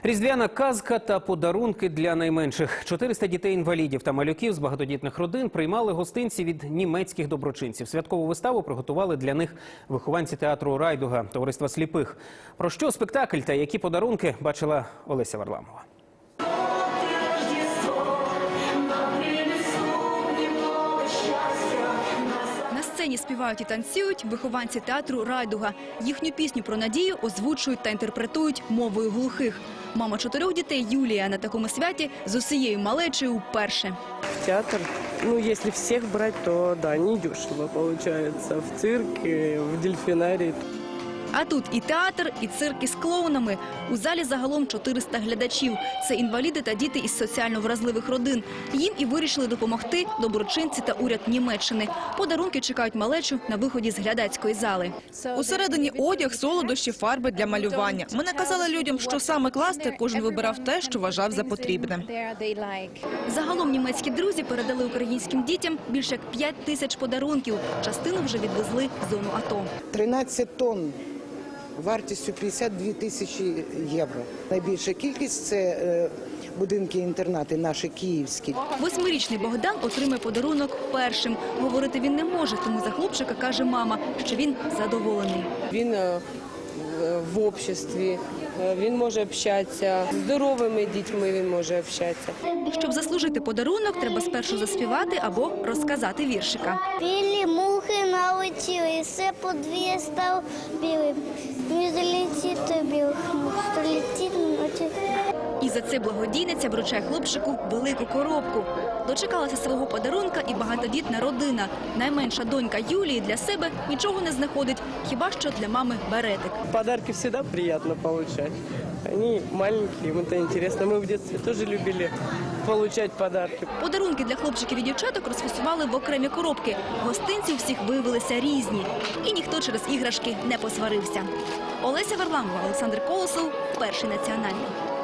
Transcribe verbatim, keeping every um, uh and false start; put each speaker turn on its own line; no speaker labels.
Різдвяна казка та подарунки для найменших. чотириста дітей-інвалідів та малюків з багатодітних родин приймали гостинці від німецьких доброчинців. Святкову виставу приготували для них вихованці театру «Райдуга» товариства сліпих. Про що спектакль та які подарунки бачила Олеся Варламова.
На сцені співають і танцюють вихованці театру «Райдуга». Їхню пісню про надію озвучують та інтерпретують мовою глухих. Мама чотирьох дітей Юлія на такому святі з усією малечею вперше.
В театр, ну, если всех брать, то да, недешево получается. В цирке, в дельфинарии.
А тут і театр, і цирк із клоунами. У залі загалом чотириста глядачів. Це інваліди та діти із соціально вразливих родин. Їм і вирішили допомогти доброчинці та уряд Німеччини. Подарунки чекають малечу на виході з глядацької зали.
Усередині одяг, солодощі, фарби для малювання. Ми наказали людям, що саме класти, кожен вибирав те, що вважав за потрібне.
Загалом німецькі друзі передали українським дітям більше як п'ять тисяч подарунків. Частину вже відвезли в зону АТО.
тринадцять тонн. Вартістю п'ятдесят дві тисячі євро. Найбільша кількість – це е, будинки-інтернати наші київські.
Восьмирічний Богдан отримає подарунок першим. Говорити він не може, тому за хлопчика каже мама, що він задоволений.
Він е, в обществі, е, він може общатися, з здоровими дітьми він може общатися.
Щоб заслужити подарунок, треба спершу заспівати або розказати віршика.
Білі мухи налетіли, і все подвір'я стало білим. Не залетіти білих мух, залетіти ночі.
І за це благодійниця вручає хлопчику велику коробку. Дочекалася свого подарунка і багатодітна родина. Найменша донька Юлії для себе нічого не знаходить, хіба що для мами беретик.
Подарки всегда приятно получать. Они маленькие, им это интересно. Мы в детстве тоже любили получать подарки.
Подарунки для хлопчиків і дівчаток розфасували в окремі коробки. Гостинці у всіх виявилися різні. І ніхто через іграшки не посварився. Олеся Варламова, Олександр Колосов, Перший національний.